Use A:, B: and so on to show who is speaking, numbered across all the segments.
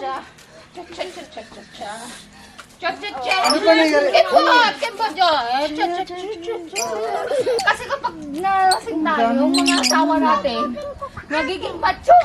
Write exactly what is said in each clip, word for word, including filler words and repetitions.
A: cha. Cha cha cha cha cha cha. Cha cha cha.
B: Ano ba nangyari?
A: Kipot! Kipot dyan! Cha cha cha cha cha. Kasi kapag nalasing tayo, yung mga asawa natin, nagiging macho.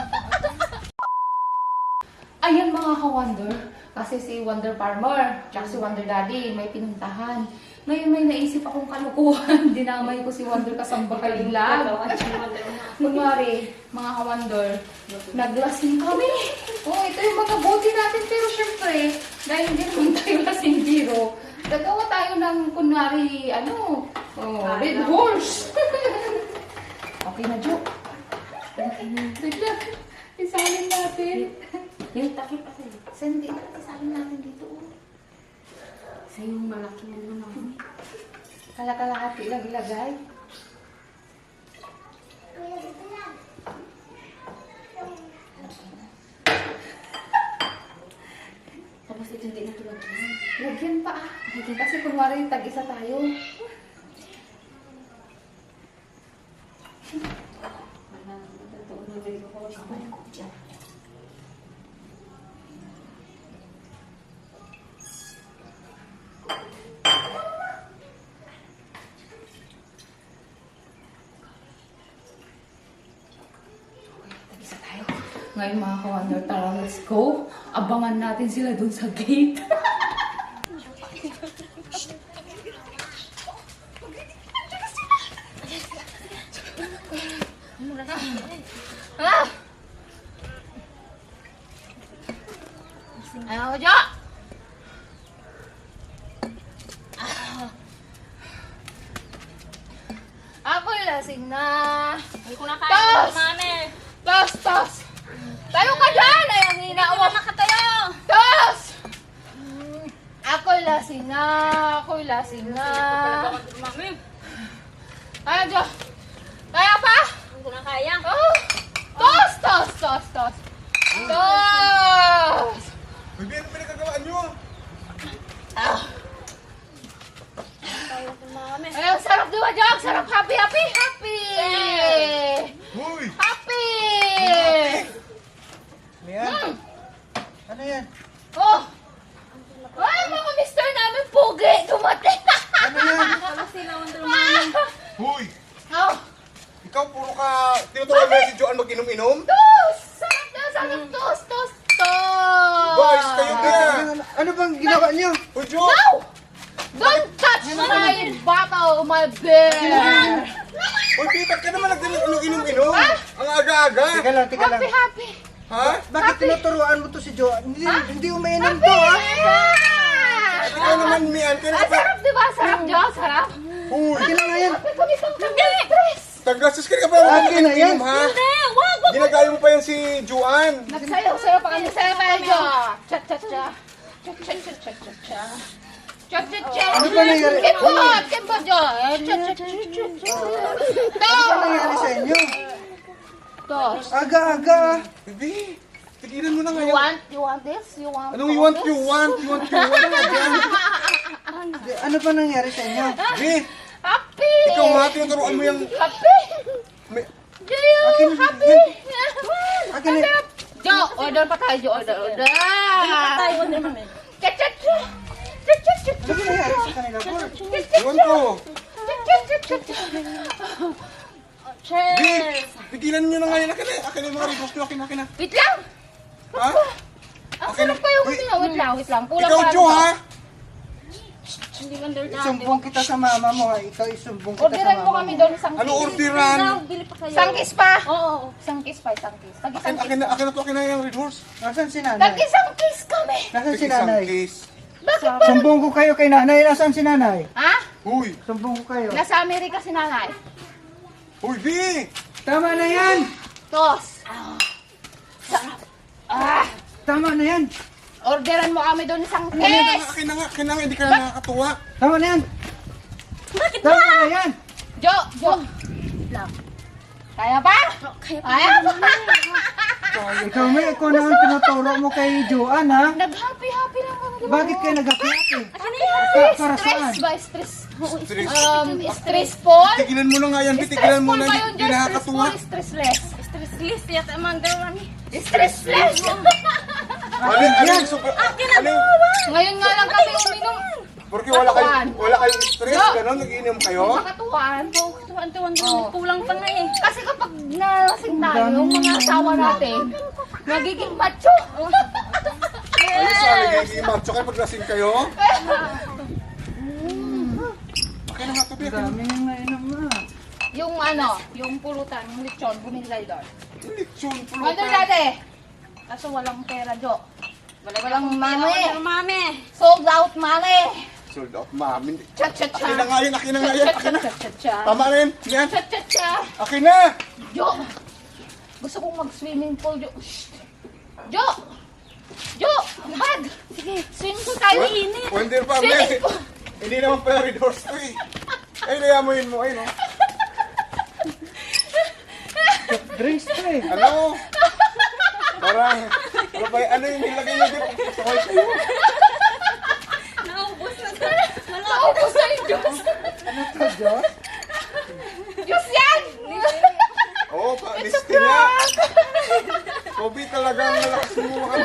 A: Ayan mga ka-Wonder, kasi si Wonder Farmer, tsaka si Wonder Daddy, may pinuntahan. Ngayon may naisip akong kalukuhan, dinamay ko si Wonder Kasambahay lang. Kunwari, mga ka-Wonder, naglasing kami. Oh, ito yung mga bote natin, pero syempre, dahil hindi naman tayo lasing biro, gagawa tayo ng kunwari, ano, oh, Red Horse. Okay na, Jo. Bigla, isalin natin.
C: Yung takip kasi.
A: Saan din natin isalin natin dito?
C: Sa yung malaki na naman.
A: Kalakalahati lang ilagay.
C: Tapos ito hindi na tulad yun.
A: Lagyan pa ah. Kasi kunwari tag-isa tayo.
C: Wala, totoo na rin ako. Kamay ko dyan.
A: Tag-isa tayo. Ngayon mga ka-Wonder, tara, let's go. Abangan natin sila dun sa gate. Ah! Ayaw, Jo! Ako'y lasing na.
C: Ay, kung nakain
A: Tos!
C: ko, mami.
A: Tos! Tos! Tayo ka dyan! Ay, ang hina
C: Hindi
A: mo.
C: na makatayo.
A: Tos! Ako'y lasing na. Ako'y lasing na.
C: Mami.
A: Ayaw, Jo! Kaya pa?
C: Hindi ko na kaya.
A: Oh! Tos! Tos! Tos! Tos! Tos!
B: Baby, ano pinagkagawaan nyo?
A: Ah!
C: Tayo ko, mami.
A: Ay, ang sarap di ba, Jog? Sarap, happy, happy, happy!
B: Hoy!
A: Happy!
B: Ano yan?
A: Hmm.
B: Ano yan?
A: Oh! Ay, mga mister namin pugi! Dumating!
B: Ano yan?
C: Wala sila, Wonder Mami.
B: Hoy!
A: Oh!
B: Ikaw puro ka tinuturuan mo si Joan mag-inom-inom?
A: Tos! Sarap na, sarap! Tos! Tos! Tos!
B: Guys, kayo kaya!
D: Ano bang ginawa niyo?
B: Hoy, Jo!
A: No! Don't touch my bottle, my bear!
B: Hoy, Peter, ka naman nag-inom-inom! Ang aga-aga!
D: Teka lang, teka lang.
A: Happy, happy!
B: Ha?
D: Bakit tinuturuan mo to si Joan? Hindi, hindi umiinom to, ha?
B: At ikaw naman, Mian, kaya
A: Ang
B: ka pa...
A: sarap, di ba? Sarap, Jo? Sarap?
B: Hoy!
D: Akin na nga yan.
A: Happy kami pang stress!
B: Tagastos ka ka pa
D: Akin na yan.
B: mag-inom, ha?
C: Hindi, wag, wag.
B: Ginagaya mo pa yan si Joan!
A: Nagsayaw-sayaw pa kami sa medyo. Cha-cha-cha. Cha-cha-cha-cha-cha. Cha-cha-cha.
D: Ano ba nangyari?
A: Kipot! Kipot dyan. Cha-cha-cha-cha-cha.
D: Ano nangyari sa inyo?
A: Tos.
D: Aga-aga.
B: Baby, tigilan mo na
A: You
B: ngayon.
A: want, you want this? You want
B: Anong you want, you want, you want, you want ka dyan?
D: Di- Ano ba nangyari sa inyo?
B: Baby,
A: Happy!
B: ikaw nga, tinuturuan mo yung...
A: Happy!
B: May...
A: Do you
D: Akin-
A: happy?
D: Akin na.
A: Jo, order pa tayo, Jo. Order, order.
C: Tayo, Wonder Mami.
A: Cha-cha-cha. Cha-cha-cha.
D: Ano ba nangyari sa kanila, Paul?
B: Iwan ko.
C: Cheers.
B: Babe, tigilan nyo na ngayon. Akin na, akin na yung mga repost nyo. Akin na, akin na.
A: Wait lang!
B: Ha?
A: Ang
B: Okay
A: sarap
B: na.
A: pa yung
B: Uy.
A: ano. Wait lang, wait lang. Kulang
B: Ikaw,
A: pa
B: Jo,
A: lang.
B: ha?
C: Hindi Wonder Mami.
D: Isumbong kita sa mama mo, ha? Ikaw isumbong kita sa
A: Orderan mo
D: mama
A: kami
D: mo.
A: doon isang
B: Ano
A: kiss.
B: orderan?
C: Bili pa kayo.
A: Isang kiss pa.
C: Oo, oo.
A: Isang kiss pa, isang kiss. Tag
B: Akin,
A: isang
B: akin
A: kiss.
B: na, akin na to, akin na yung red horse.
D: Nasaan si
A: Tag
D: nanay?
A: isang kiss kami.
D: Nasaan si
B: Isang
D: nanay?
B: case.
A: Bakit ba?
D: Sumbong ko kayo kay nanay. Nasaan si nanay?
A: Ha?
B: Uy,
D: Sumbong ko kayo.
A: Nasa Amerika si nanay.
B: uy, B!
D: Tama na yan!
A: Tos. Ah. Sarap. Ah.
D: Tama na yan!
A: Orderan mo kami doon isang
B: Akin na nga,
A: kiss.
B: akin na nga, akin na nga, hindi ka na nakakatuwa.
D: Tama na yan!
C: Bakit
D: Tama
C: ba?
D: na yan!
A: Jo, Jo. Lang. Kaya ba?
C: Kaya pa.
A: Kaya ba?
D: Ikaw may ikaw naman tinuturo mo kay Joan, ha?
A: Nag-happy-happy lang kami.
D: Bakit kayo nag-happy?
C: Ano yan?
D: Pa- para
A: Stress
D: saan?
A: ba? Stress.
B: Stress.
A: Um, stressful?
B: Tigilan mo na nga yan, B. Tigilan mo
A: Stressful
B: na,
A: ba yun,
B: hindi
A: Jo?
B: nakakatuwa.
A: Stressful, stressless.
C: Stress list yata, Wonder Mami.
A: Stressless!
B: Ano ano yung super... Ano yung...
A: Ngayon nga lang kami uminom.
B: Porque wala kayong,
A: Katuan.
B: wala kayong stress,
A: No.
B: gano'n, nag-iinom kayo?
A: Sa katuwaan.
C: Tuwan-tuwan
A: Oh.
C: kulang pa nga eh.
A: Kasi kapag nalasing tayo, yung mga asawa natin, nagiging macho.
B: Ano sa nagiging macho kayo pag lasing kayo? Okay na nga ito, Bea.
D: Dami yung nainom na.
A: Yung ano, yung pulutan, yung lechon, bumili tayo doon.
B: Lechon,
A: Wonder
B: pulutan.
A: dati. Kaso walang pera, Jo. Walang mami.
C: Mami.
A: Sold out money.
B: Sold out, mami.
A: Cha cha cha.
B: Akin na nga yun, akin na nga yan, akin na.
A: Cha cha cha.
B: Tama na yun, yan.
A: Cha cha cha.
B: Akin na.
A: Jo. Gusto kong mag-swimming pool, Jo. Shh. Jo. Jo. Bag. Sige, swimming pool tayo. Init.
B: Wonder pa,
A: Swimming
B: Bea.
A: pool.
B: Hindi naman pala redoors to eh. Ay, nayamuin mo, ay no.
D: Drinks pa eh.
B: Ano? Parang, ano ba, ano yung nilagay niyo dito? Sakay kayo.
C: Naubos na. Wala.
A: Naubos na yung Diyos.
D: Ano to, Diyos?
A: Diyos yan.
B: Oo, oh, pa, listi nga. Kobe talagang malakas mo.